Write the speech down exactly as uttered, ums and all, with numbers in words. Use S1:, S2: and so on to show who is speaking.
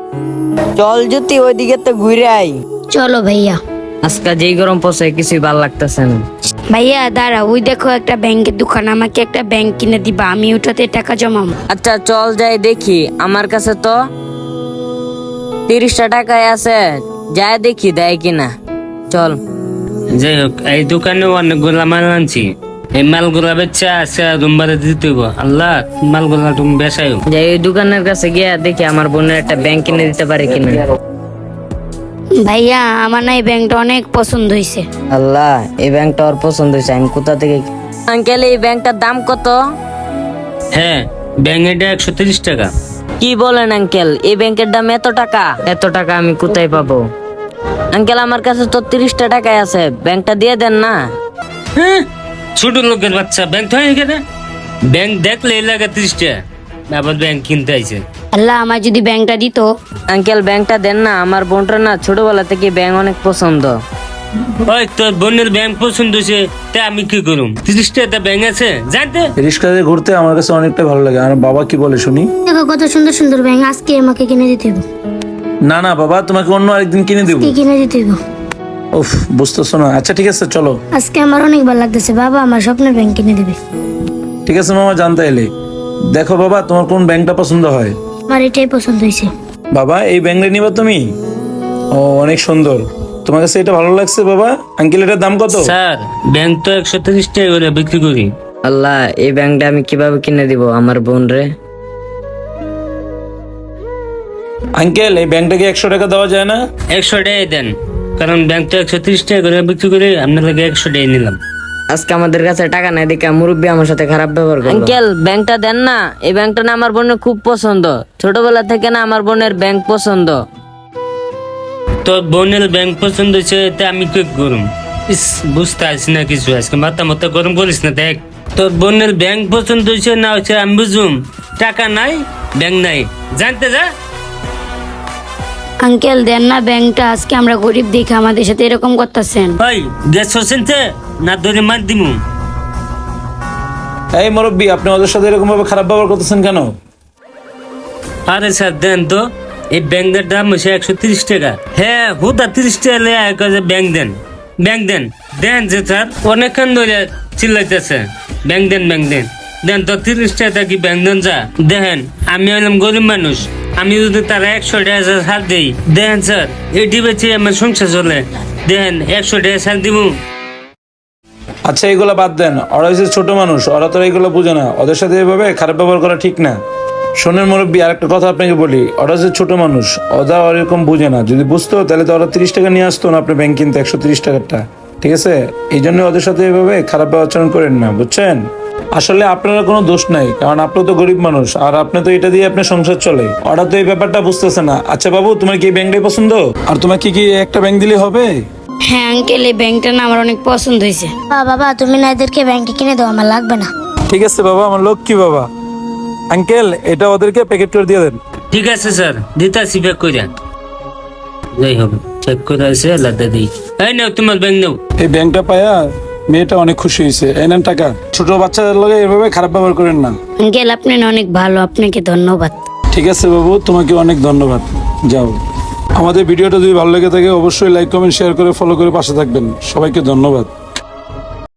S1: চল জ্যোতি ওইদিকে তো ঘুরে আই।
S2: চলো ভাইয়া।
S1: আজকে যেই গরম পড়ছে কিছুই ভালো লাগতেছে না।
S2: ভাইয়া দাঁড়া, ওই দেখো একটা ব্যাংকের দোকান, আমাকে একটা ব্যাংক কিনে দিবা, আমি ওটাতে টাকা জমাবো।
S1: আচ্ছা চল যাই দেখি, আমার কাছে তো তিরিশটা টাকাই আছে, যাই দেখি দেয় কিনা। চল।
S3: যাই হোক, এই দোকানে অনেকগুলা মাল আনছি, এই মালগুলা বেচা আছে রুমবারে দিতে হইব। আল্লাহ, মালগুলা তুমি বেচাই
S1: যাই ওই দোকানের কাছে গিয়া দেখি আমার বোনের একটা ব্যাংক কিনে দিতে পারে কিনা।
S2: ভাইয়া আমার না এই ব্যাংকটা অনেক পছন্দ হয়েছে।
S1: আল্লাহ, এই ব্যাংকটা ওর পছন্দ হয়েছে, আমি কোথা থেকে। আঙ্কেল এই ব্যাংকটার দাম কত?
S3: হ্যাঁ, ব্যাংক এটা একশো তিরিশ টাকা।
S1: কি বলেন আঙ্কেল, এই ব্যাংকের দাম এত টাকা? এত টাকা আমি কোথায় পাবো? আঙ্কেল আমার কাছে তো তিরিশটা টাকাই আছে, ব্যাংকটা দিয়ে দেন না।
S3: হ্যাঁ, ছোট লোকের বাচ্চা ব্যাংক হয় এখানে? ব্যাংক দেখলে এই লাগে তিরিশ টাকা, আবার ব্যাংক কিনতে আইছে।
S2: আল্লাহ, আমার যদি ব্যাংকটা দিত।
S1: আঙ্কেল ব্যাংকটা দেন না, আমার বোনটা না ছোটবেলা থেকে ব্যাংক অনেক পছন্দ।
S3: ওই তোর বোনের ব্যাংক পছন্দ হয়েছে, তা আমি কি করুম? তিরিশ টাকা ব্যাংক আছে জানতে।
S4: রিক্সাতে ঘুরতে আমার কাছে অনেকটা ভালো লাগে। আর বাবা কি বলে শুনি?
S2: দেখো কত সুন্দর সুন্দর ব্যাংক, আজকে আমাকে কিনে দিতে হবে।
S4: না না বাবা, তোমাকে অন্য আরেকদিন কিনে দেবো।
S2: কি কিনে দিতে হবে?
S4: উফ, বুঝতেছো না। আচ্ছা ঠিক আছে চলো।
S2: আজকে আমার অনেক ভালো লাগতেছে, বাবা আমার স্বপ্নের ব্যাংক কিনে দিবে।
S4: ঠিক আছে মামা, জানতে এলে। দেখো বাবা, তোমার কোন ব্যাংকটা পছন্দ হয়?
S2: আমার এটাই পছন্দ হয়েছে।
S4: বাবা এই ব্যাংকটা নিবা তুমি? ও অনেক সুন্দর, তোমার কাছে এটা ভালো লাগছে বাবা? আঙ্কেল এটার দাম কত?
S3: স্যার, ব্যাংক তো একশো তিরিশ টাকা করে বিক্রি করি।
S1: আল্লাহ, এই ব্যাংকটা আমি কিভাবে কিনে দিব আমার বোন রে?
S4: আঙ্কেল এই ব্যাংকটাকে একশো টাকা দেওয়া যায় না?
S3: একশো টাকাই দেন, কারণ ব্যাংক তো একশো তিরিশ টাকা করে বিক্রি করি, আপনার লাগে একশো টাকাই নিলাম।
S1: আজকে আমাদের কাছে টাকা নাই দেখে মুরব্বী আমার সাথে খারাপ ব্যবহার করলো। আঙ্কেল ব্যাংকটা দেন না, এই ব্যাংকটা না আমার বোনের খুব পছন্দ, ছোটবেলা থেকে না আমার বোনের ব্যাংক পছন্দ।
S3: তোর বোনের ব্যাংক পছন্দ হয়েছে, তা আমি কি করুম? ইস, বুঝতে আসি না কিছু, আজকে মাথা মাথা গরম করিস না। দেখ, তোর বোনের ব্যাংক পছন্দ হয়েছে না হচ্ছে আমি বুঝুম। টাকা নাই, ব্যাংক নাই, জানতে যা।
S2: আঙ্কেল দেন না ব্যাংকটা, আজকে আমরা গরিব দেখে আমাদের সাথে এরকম করতেছেন।
S3: ওই গ্যাস হোসেনতে না ধরে মার দিমু।
S4: এই মুরব্বী, আপনি ওদের সাথে এরকম ভাবে খারাপ ব্যবহার করতেছেন কেন?
S3: আরে স্যার দেন তো, এই ব্যাংকের দাম হচ্ছে একশো তিরিশ টাকা। হ্যাঁ, হুদা তিরিশ টাকা লেয়া কাজে ব্যাংক দেন, ব্যাংক দেন, দেন যে স্যার অনেকক্ষণ ধরে চিল্লাইতেছে ব্যাংক দেন, ব্যাংক দেন, দেন তো তিরিশ টাকা কি ব্যাংক দেন যা। দেখেন আমি হলাম গরিব মানুষ, আমি যদি তারা একশো টাকা ছাড় দিই, দেখেন স্যার এটি বেঁচে আমার সংসার চলে, দেখেন একশো টাকা ছাড় দিব।
S4: আচ্ছা এগুলো বাদ দেন, ওরা হচ্ছে ছোট মানুষ, ওরা তো এগুলো বুঝে না, ওদের সাথে এভাবে খারাপ ব্যবহার করা ঠিক না। শোনেন মুরব্বী, আরেকটা কথা আপনাকে বলি, ওরা হচ্ছে ছোট মানুষ, ওরা ওরকম বুঝে না। যদি বুঝতো তাহলে তো ওরা তিরিশ টাকা নিয়ে আসতো না আপনি ব্যাংক কিনতে, একশো তিরিশ টাকারটা। ঠিক আছে, এই জন্য ওদের সাথে এভাবে খারাপ আচরণ করেন না, বুঝছেন? আসলে আপনারা কোনো দোষ নাই, কারণ আপনি তো গরিব মানুষ, আর আপনি তো এটা দিয়ে আপনার সংসার চলে। ওরা তো এই ব্যাপারটা বুঝতেছে না। আচ্ছা বাবু, তোমার কি এই ব্যাংকটাই পছন্দ? আর তোমার কি কি একটা ব্যাংক দিলে হবে?
S2: হ্যাঁ আঙ্কেল, এই ব্যাংকটা না আমার অনেক পছন্দ হয়েছে। বাবা তুমি না এদেরকে ব্যাংকে কিনে দাও, আমার লাগবে না।
S4: ঠিক আছে বাবা, আমার লক্ষ্মী বাবা। আঙ্কেল এটা ওদেরকে প্যাকেট করে দিয়ে দেন।
S3: ঠিক আছে স্যার, দিতাছি প্যাক করে। যাই হবে, চেক করে আছে লাদা দিই। এই নাও তোমার ব্যাংক নাও।
S4: এই ব্যাংকটা পায়া মেয়েটা অনেক খুশি হয়েছে। এই নেন টাকা। ছোট বাচ্চাদের লগে এভাবে খারাপ ব্যবহার করেন না।
S2: আঙ্কেল আপনি না অনেক ভালো, আপনাকে ধন্যবাদ।
S4: ঠিক আছে বাবু, তোমাকে অনেক ধন্যবাদ। যাও। আমাদের ভিডিওটা যদি ভালো লেগে থাকে অবশ্যই লাইক কমেন্ট শেয়ার করে ফলো করে পাশে থাকবেন। সবাইকে ধন্যবাদ।